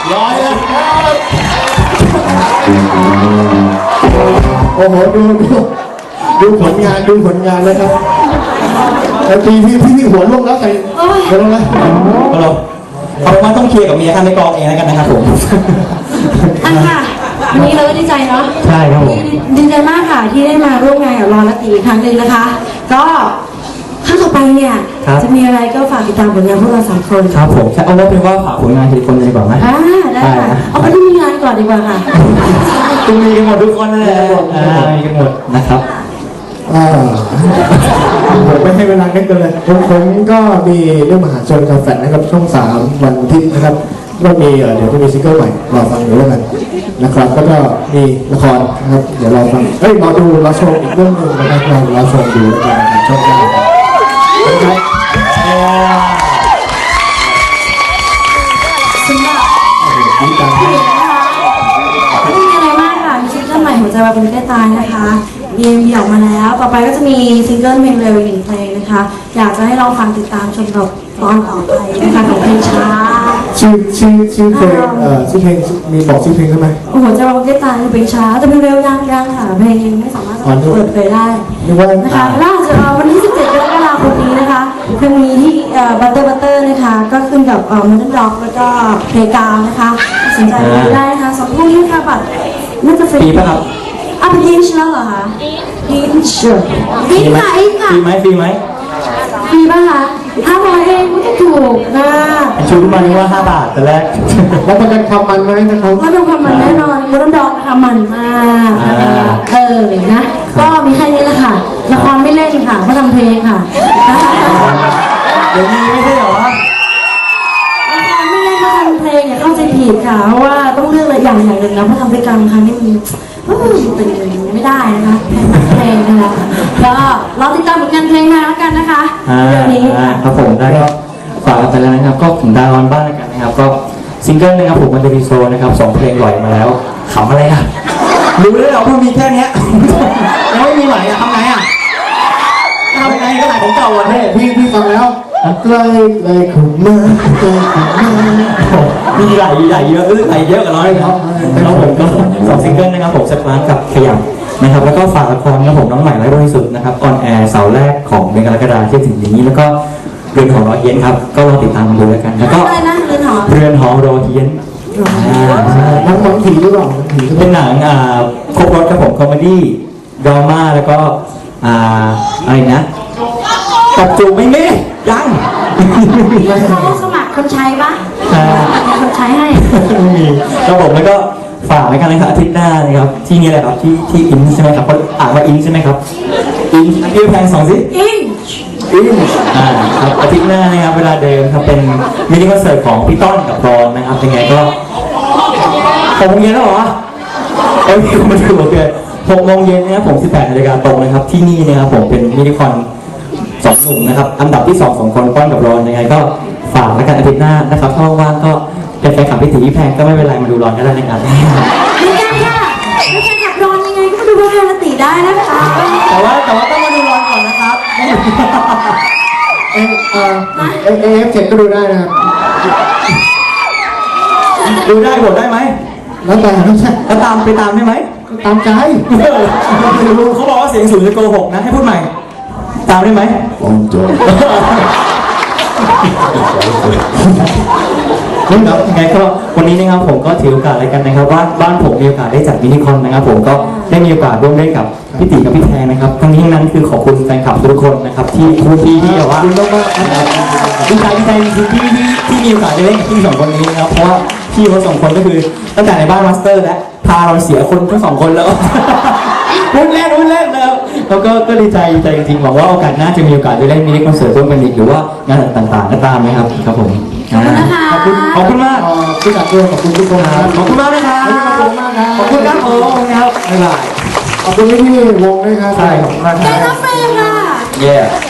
ร้อยแล้วโอ้โหดูผลงานเลยครับแต่พี่หัวลงแล้วใส่หัวลงแล้วเราเอาว่าต้องเคลียร์กับเมียท่านในกองเองแล้วกันนะครับผมค่ะวันนี้เราก็ดีใจเนาะใช่ครับผมดีใจมากค่ะที่ได้มาร่วมงานกับรอนและตีอีกครั้งหนึ่งนะคะก็ครั้งต่อไปเนี่ยจะมีอะไรก็ฝากติดตามผลงานพวกเรา3 คนครับผมเอาว่าเป็นว่าฝากผลงานทีละคนเลยดีกว่าไหมได้ค่ะเอาไปที่มีงานก่อนดีกว่าค่ะคุณมีกันหมดทุกคนเลยมีกันหมดนะครับผมไม่ให้เวลาเล่นกันเลยผมก็มีเรื่องมหาชนกับแฟนนะครับช่อง3วันอาทิตย์นะครับก็มีเดี๋ยวจะมีซิงเกิลใหม่รอฟังอยู่แล้วกันนะครับแล้วก็มีละครนะครับเดี๋ยวรอฟังรอชมอีกเรื่องนึงนะครับรอชมดูแล้วกันนะครับช่อง9ครับสำหรับพี่เอกนะคะไม่มีอะไรมากค่ะมีซิงเกิลใหม่หัวใจวายคนใกล้ตายนะคะมีออกมาแล้วต่อไปก็จะมีซิงเกิลเพลงเร็วอีก1 เพลงนะคะอยากจะให้ลองฟังติดตามชมกับตอนต่อไปนะคะของเพลงช้าชื่อเพลงชื่อเพลงมีบอกชื่อเพลงใช่ไหมโอ้โหจะวางเกตตาคือเพลงช้าแต่เพลงเร็วยังค่ะเพลงยังไม่สามารถเปิดเผยได้นะคะล่าสุดวันที่17 กรกฎาคมนี้นะคะเพลงนี้ที่บัตเตอร์นะคะก็ขึ้นกับมันด็อกแล้วก็เพลงกาวนะคะสนใจได้นะคะ2 ทุ่มนี้ค่ะบัตรน่าจะฟรีป่ะครับเป็นอินช์แล้วเหรอคะอินช์อินค่ะฟรีไหมฟรีป่ะคะ500 เองก็ถูกนะชูมานี่ว่า5 บาทแต่แรกแล้วประกันความมันไหมนะครับก็ดูความมันแน่นอนมันดอกค่ะมันมากนะก็มีแค่นี้แหละค่ะละครไม่เล่นค่ะก็ทำเพลงค่ะเดี๋ยวนี้ไม่ใช่เหรอละครไม่เล่นก็ทำเพลงอย่าเข้าใจผิดค่ะเพราะว่าต้องเลือกอะไรอย่างหนึ่งนะเพราะทำด้วยกันครั้งนี้เป็นไม่ได้นะคะเพลงนะคะก็รอติดตามผลงานเพลงมาแล้วกันนะคะเดี๋ยวนี้ครับผมได้ก็ฝากกันไปแล้วนะครับก็ถึงดาวน์บ้านแล้วกันนะครับก็ซิงเกิลนะครับผมมันจะมีโซนะครับ2 เพลงปล่อยมาแล้วขำอะไรอ่ะรู้แล้วเหรอว่ามีแค่นี้ยังไม่มีใหม่อ่ะทำไงอ่ะทำไงก็ไหนของเก่าวันนี้พี่ฟังแล้วใกล้เข้ามาใกล้เข้ามามีไหลเยอะไหลเยอะกับน้อยครับแล้วผมก็2 ซิงเกิลนะครับผมสักครั้งกับขยับนะครับแล้วก็ฝากละครนะครับผมน้องใหม่ไร้บริสุทธิ์นะครับออนแอร์เสาร์แรกของเดือนกรกฎาคมที่ถึงนี้แล้วก็เรือนหอรอเฮียนครับก็ลองติดตามกันดูแล้วกันแล้วก็เรือนหอรอเฮียนน้องผีหรือเปล่าเป็นหนังครบรถครับผมคอมเมดี้ดราม่าแล้วก็อะไรนะตบจูบไม่มียังเขาสมัครคนใช้ปะคนใช้ให้ไม่มีครับผมแล้วก็ฝากในการนะครับอาทิตย์หน้านะครับที่นี่แหละครับที่อินใช่ไหมครับเขาอ่านว่าอินใช่ไหมครับอินพี่แพง2 สิอินครับอาทิตย์หน้านะครับเวลาเดิมครับเป็นมินิคอนเสิร์ตของพี่ต้นกับรอนนะครับยังไงก็6 โมงเย็นแล้วเหรอมันถูกเกิน6 โมงเย็นนะครับผม18 นาฬิกาตรงนะครับที่นี่นะครับผมเป็นมินิคอน2 หนุ่มนะครับอันดับที่2 คนต้นกับรอนยังไงก็ฝากแล้วกันอาทิตย์หน้านะครับถ้าว่างก็เป็นแฟนคลับพี่ตีพี่แพงก็ไม่เป็นไรมาดูรอนก็ได้นะครับไม่ได้ค่ะเป็นแฟนคลับรอนยังไงก็มาดูพี่แพงตีได้นะคะแต่ว่าต้องมาดูรอนก่อนนะครับF7ก็ดูได้นะครับดูได้บทได้ไหมแล้วตามไปตามได้ไหมตามใจเขาบอกว่าเสียงสูงจะโกหกนะให้พูดใหม่ตามได้ไหมโจครับไงก็วันนี้นะครับผมก็ถือโอกาสอะไรกันนะครับว่าบ้านผมมีโอกาสได้จัดมินิคอนนะครับผมก็ได้มีโอกาสร่วมเล่นกับพี่ตีกับพี่แทนนะครับทั้งนี้ทั้งนั้นคือขอบคุณแฟนคลับทุกคนนะครับที่แบบว่าดีใจจริงที่มีโอกาสได้เล่นกับพี่2 คนนี้นะครับเพราะว่าพี่เขา2 คนก็คือตั้งแต่ในบ้านมาสเตอร์และพาเราเสียคนทั้ง2 คนแล้ววุ่นเล่นนะครับแล้วก็ดีใจจริงๆหวังว่าโอกาสหน้าจะมีโอกาสได้เล่นมินิคอนเสิร์ตร่วมกันอีกหรือว่างานต่างๆก็ตามนะครับครับผมขอบคุณมากที่จัดด้วยขอบคุณทุกคนครับขอบคุณมากนะครับขอบคุณครับผมครับบ๊ายบายขอบคุณพี่วงด้วยครับใช่ขอบคุณมากครับแกน้ำเฟรมค่ะ